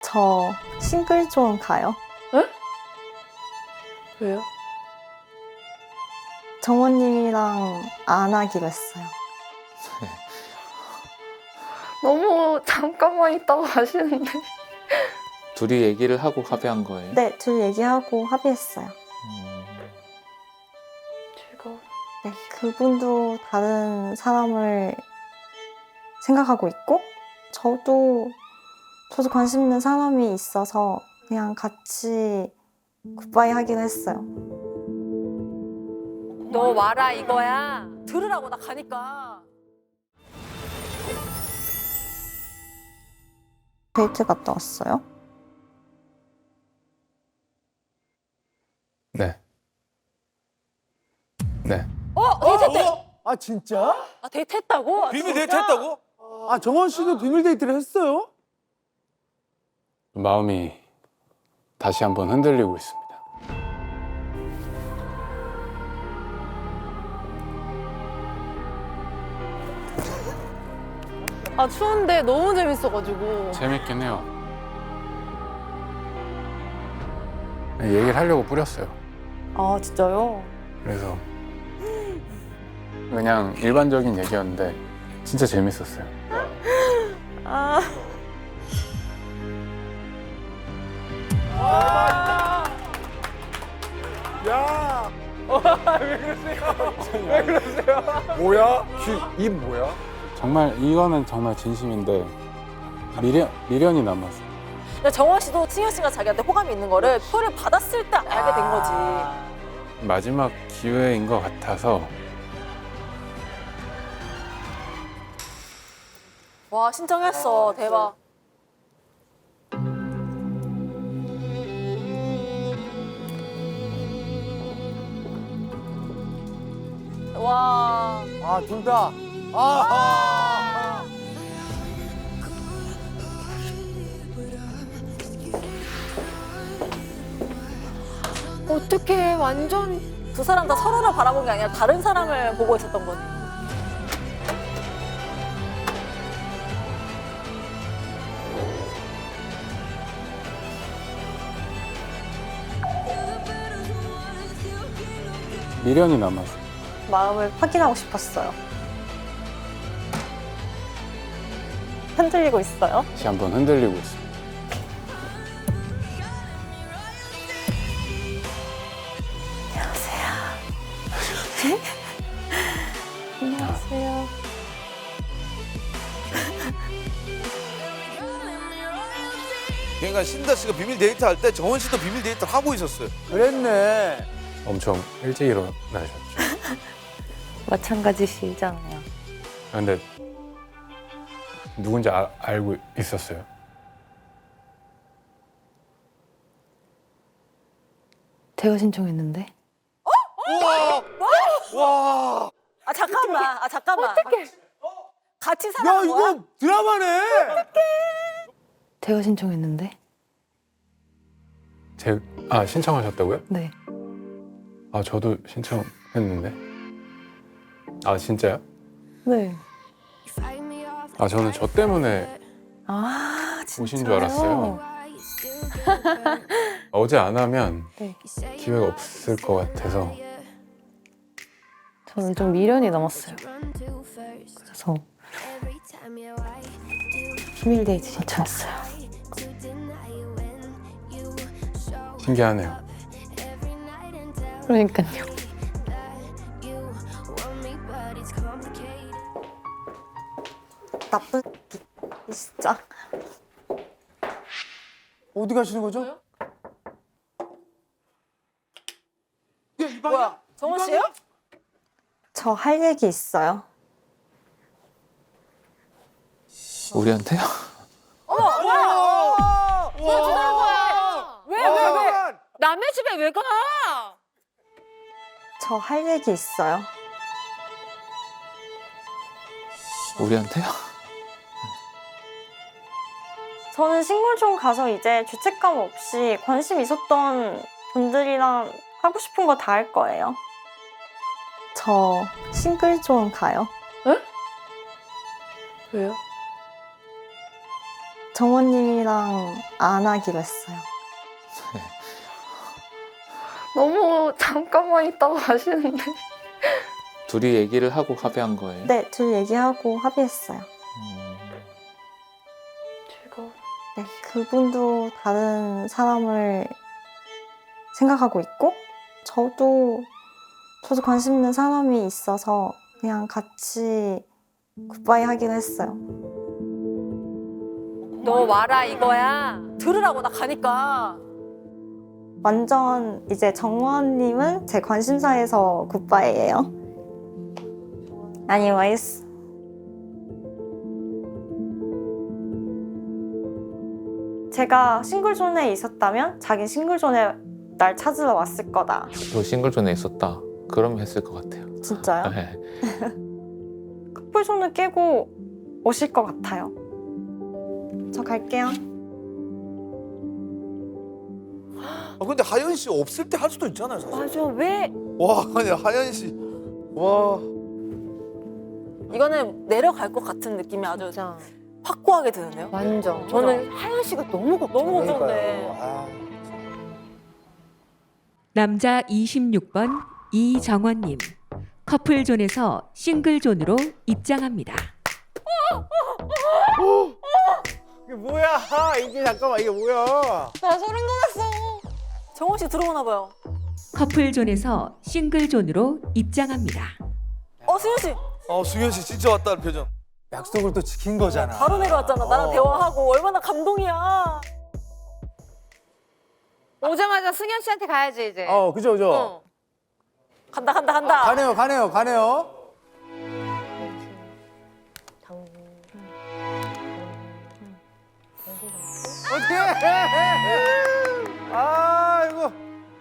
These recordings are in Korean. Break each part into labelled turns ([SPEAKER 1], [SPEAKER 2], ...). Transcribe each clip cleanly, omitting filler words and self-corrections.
[SPEAKER 1] 저 싱글존 가요.
[SPEAKER 2] 에? 왜요?
[SPEAKER 1] 정원님이랑 안 하기로 했어요.
[SPEAKER 2] 너무 잠깐만 있다고 하시는데.
[SPEAKER 3] 둘이 얘기를 하고 합의한 거예요?
[SPEAKER 1] 네, 둘 얘기하고 합의했어요.
[SPEAKER 2] 즐거워.
[SPEAKER 1] 네, 그분도 다른 사람을 생각하고 있고 저도 관심 있는 사람이 있어서 그냥 같이 굿바이 하기로 했어요.
[SPEAKER 4] 너 와라 이거야. 들으라고 나 가니까.
[SPEAKER 1] 데이트 갔다 왔어요?
[SPEAKER 5] 네. 네.
[SPEAKER 4] 데이트했대.
[SPEAKER 6] 아 진짜?
[SPEAKER 4] 아 데이트했다고? 아,
[SPEAKER 7] 비밀
[SPEAKER 4] 진짜?
[SPEAKER 7] 데이트 했다고?
[SPEAKER 6] 아 정원 씨도 비밀 데이트를 했어요?
[SPEAKER 5] 마음이 다시 한번 흔들리고 있습니다.
[SPEAKER 2] 아 추운데 너무 재밌어가지고.
[SPEAKER 5] 재밌긴 해요. 얘기를 하려고 뿌렸어요.
[SPEAKER 2] 아 진짜요?
[SPEAKER 5] 그래서 그냥 일반적인 얘기였는데 진짜 재밌었어요.
[SPEAKER 2] 아.
[SPEAKER 6] 야! 왜 그러세요? 왜 그러세요? 뭐야? 입 뭐야?
[SPEAKER 5] 정말 이거는 정말 진심인데 미련이 남았어요.
[SPEAKER 4] 근데 정원 씨도 승현 씨가 자기한테 호감이 있는 거를 표를 받았을 때 알게 된 거지.
[SPEAKER 5] 마지막 기회인 것 같아서
[SPEAKER 4] 와 신청했어. 대박. 와.
[SPEAKER 6] 아 둘 다. 아.
[SPEAKER 2] 어떡해 완전.
[SPEAKER 4] 두 사람 다 서로를 바라본 게 아니라 다른 사람을 보고 있었던 거네.
[SPEAKER 5] 미련이 남았어요.
[SPEAKER 1] 마음을 확인하고 싶었어요. 흔들리고 있어요?
[SPEAKER 5] 다시 한번 흔들리고 있습니다.
[SPEAKER 1] 안녕하세요.
[SPEAKER 7] 그러니까 신다 씨가 비밀 데이트 할 때 정원 씨도 비밀 데이트를 하고 있었어요.
[SPEAKER 6] 그랬네.
[SPEAKER 5] 엄청 일찍 일어나셨죠.
[SPEAKER 2] 마찬가지시잖아요.
[SPEAKER 5] 근데 누군지 알고 있었어요.
[SPEAKER 2] 제가 신청했는데.
[SPEAKER 6] 와.
[SPEAKER 4] 아 잠깐만. 아 잠깐만.
[SPEAKER 2] 어떡해.
[SPEAKER 4] 같이
[SPEAKER 6] 야
[SPEAKER 4] 살아간 거야?
[SPEAKER 6] 이거 드라마네.
[SPEAKER 2] 제가 신청했는데.
[SPEAKER 5] 신청하셨다고요?
[SPEAKER 2] 네.
[SPEAKER 5] 아 저도 신청했는데. 아 진짜요?
[SPEAKER 2] 네.
[SPEAKER 5] 아 저는 저 때문에
[SPEAKER 2] 아 진짜요?
[SPEAKER 5] 오신 줄 알았어요. 어제 안 하면
[SPEAKER 2] 네.
[SPEAKER 5] 기회가 없을 것 같아서.
[SPEAKER 2] 저는 좀 미련이 남았어요. 그래서 비밀 데이트 신청했어요.
[SPEAKER 5] 신기하네요.
[SPEAKER 2] 그러니까요.
[SPEAKER 1] 나쁜 진짜.
[SPEAKER 6] 어디 가시는 거죠?
[SPEAKER 4] 뭐야? 정원 씨예요?
[SPEAKER 1] 저 할 얘기 있어요.
[SPEAKER 3] 우리한테요?
[SPEAKER 4] 왜? 남의 집에 왜 가?
[SPEAKER 1] 저 할 얘기 있어요.
[SPEAKER 3] 우리한테요?
[SPEAKER 1] 저는 싱글존 가서 이제 죄책감 없이 관심 있었던 분들이랑 하고 싶은 거 다 할 거예요. 저 싱글존 가요.
[SPEAKER 2] 왜요?
[SPEAKER 1] 정원님이랑 안 하기로 했어요.
[SPEAKER 2] 너무 잠깐만 있다가 가시는데.
[SPEAKER 3] 둘이 얘기를 하고 합의한 거예요?
[SPEAKER 1] 네, 둘 얘기하고 합의했어요.
[SPEAKER 2] 즐거워.
[SPEAKER 1] 네, 그분도 다른 사람을 생각하고 있고 저도 관심 있는 사람이 있어서 그냥 같이 굿바이 하기로 했어요.
[SPEAKER 4] 너 와라 이거야. 들으라고 나 가니까.
[SPEAKER 1] 완전 이제 정원님은 제 관심사에서 굿바이예요. Anyways. 제가 싱글존에 있었다면 자기 싱글존에 날 찾으러 왔을 거다.
[SPEAKER 3] 너 싱글존에 있었다. 그럼 했을 것 같아요.
[SPEAKER 1] 진짜요?
[SPEAKER 3] 네.
[SPEAKER 1] 커플존을 깨고 오실 것 같아요. 저 갈게요.
[SPEAKER 7] 근데 하연 씨 없을 때 할 수도 있잖아요, 사실.
[SPEAKER 4] 맞아 왜?
[SPEAKER 7] 와, 아니 하연 씨. 와.
[SPEAKER 4] 이거는 내려갈 것 같은 느낌이 아주
[SPEAKER 2] 진짜.
[SPEAKER 4] 확고하게 드는데요.
[SPEAKER 2] 완전.
[SPEAKER 4] 저는 하연 씨가 너무 걱정돼.
[SPEAKER 6] 아,
[SPEAKER 8] 남자 26번 이정원님. 커플존에서 싱글존으로 입장합니다.
[SPEAKER 6] 이게 뭐야? 이게 잠깐만 이게 뭐야?
[SPEAKER 1] 나 소름 돋았어.
[SPEAKER 4] 정원 씨 들어오나 봐요.
[SPEAKER 8] 커플존에서 싱글존으로 입장합니다.
[SPEAKER 4] 승현 씨
[SPEAKER 7] 승현 씨 진짜 왔다는 표정.
[SPEAKER 6] 약속을 또 지킨 거잖아.
[SPEAKER 4] 바로 내려왔잖아. 나랑 대화하고 얼마나 감동이야.
[SPEAKER 9] 오자마자 승현 씨한테 가야지 이제.
[SPEAKER 6] 그죠 그죠.
[SPEAKER 4] 간다.
[SPEAKER 6] 가네요. 어떻게? 아이고.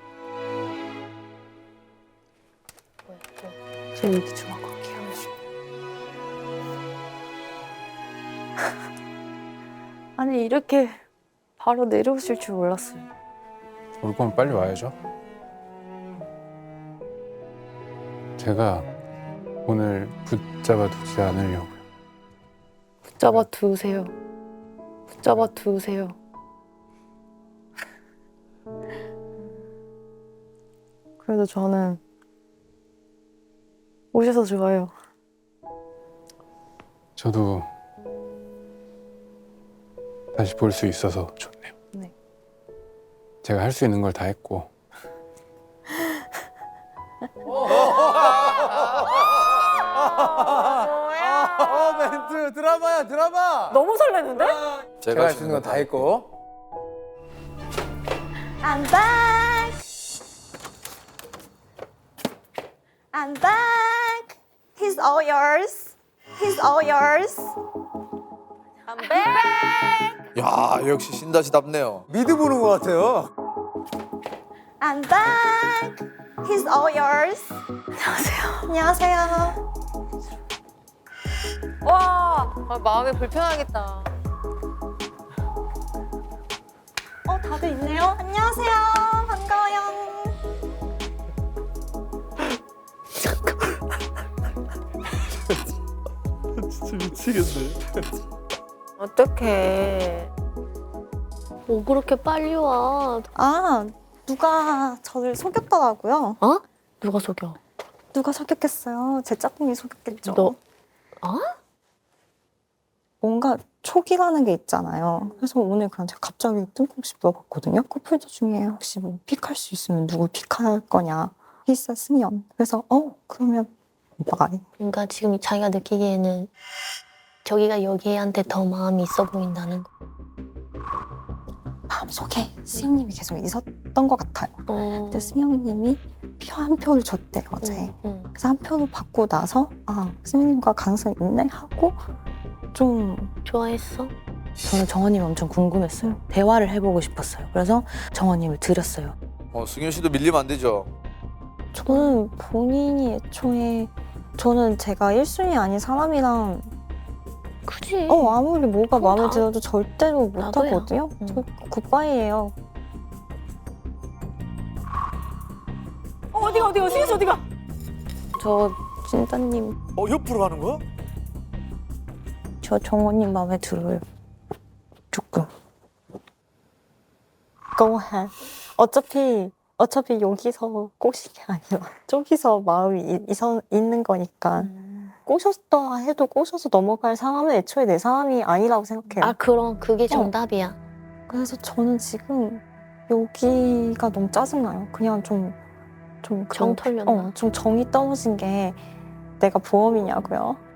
[SPEAKER 2] 저 얘기 좀 하고 갈게요. 아니 이렇게 바로 내려오실 줄 몰랐어요.
[SPEAKER 5] 올 거면 빨리 와야죠. 제가 오늘 붙잡아 두지 않으려고요.
[SPEAKER 2] 붙잡아 두세요. 붙잡아 두세요. 그래도 저는 오셔서 좋아요.
[SPEAKER 5] 저도 다시 볼 수 있어서 좋네요.
[SPEAKER 2] 네.
[SPEAKER 5] 제가 할 수 있는 걸 다 했고
[SPEAKER 6] 멘트 드라마.
[SPEAKER 4] 너무 설레는데?
[SPEAKER 6] 제가 할 수 있는 건 다 했고.
[SPEAKER 1] I'm back. I'm back. He's all yours. He's all yours.
[SPEAKER 4] 담배.
[SPEAKER 7] 야, 역시 신다시답네요.
[SPEAKER 6] 미드 보는 것 같아요.
[SPEAKER 1] I'm back. He's all yours. 안녕하세요.
[SPEAKER 4] 와.
[SPEAKER 9] 마음이 불편하겠다.
[SPEAKER 1] 다들 있네요. 안녕하세요. 반가워요.
[SPEAKER 7] 진짜 미치겠네.
[SPEAKER 9] 어떡해. 뭐 그렇게 빨리 와.
[SPEAKER 1] 누가 저를 속였더라고요.
[SPEAKER 2] 누가 속여?
[SPEAKER 1] 누가 속였겠어요? 제 짝꿍이 속였겠죠.
[SPEAKER 2] 너?
[SPEAKER 1] 뭔가 촉이라는 게 있잖아요. 그래서 오늘 그냥 제가 갑자기 뜬금없이 물어봤거든요. 커플들 중에 혹시 뭐 픽할 수 있으면 누구 픽할 거냐. 있어 승연. 그래서 그러면 오빠가
[SPEAKER 10] 그러니까 지금 자기가 느끼기에는 저기가 여기한테 더 마음이 있어 보인다는 거.
[SPEAKER 1] 마음속에 승연님이 계속 있었던 것 같아요. 근데 승연님이 표 한 표를 줬대요 어제. 그래서 한 표를 받고 나서 승연님과 가능성이 있네 하고 좀
[SPEAKER 10] 좋아했어?
[SPEAKER 2] 저는 정원님이 엄청 궁금했어요. 대화를 해보고 싶었어요. 그래서 정원님을 드렸어요.
[SPEAKER 7] 승현 씨도 밀리면 안 되죠.
[SPEAKER 1] 저는 본인이 애초에 저는 제가 1순위 아닌 사람이랑
[SPEAKER 10] 그지.
[SPEAKER 1] 아무리 뭐가
[SPEAKER 10] 그럼
[SPEAKER 1] 마음에
[SPEAKER 10] 다-
[SPEAKER 1] 들어도 절대로 못
[SPEAKER 10] 나도야.
[SPEAKER 1] 하거든요. 저 굿바이예요.
[SPEAKER 4] 어디가 승현 씨 어디가?
[SPEAKER 1] 저 진짜님,
[SPEAKER 7] 옆으로 가는 거야?
[SPEAKER 1] 저 정원님 마음에 들어요. 조금. go ahead. 어차피 여기서 꼬신 게 아니라 저기서 마음이 있는 거니까 꼬셨다 해도 꼬셔서 넘어갈 상황은 애초에 내 상황이 아니라고 생각해요.
[SPEAKER 10] 아 그럼 그게 정답이야.
[SPEAKER 1] 그래서 저는 지금 여기가 너무 짜증나요. 그냥 좀
[SPEAKER 10] 정 털렸나?
[SPEAKER 1] 좀 정이 떨어진 게 내가 보험이냐고요.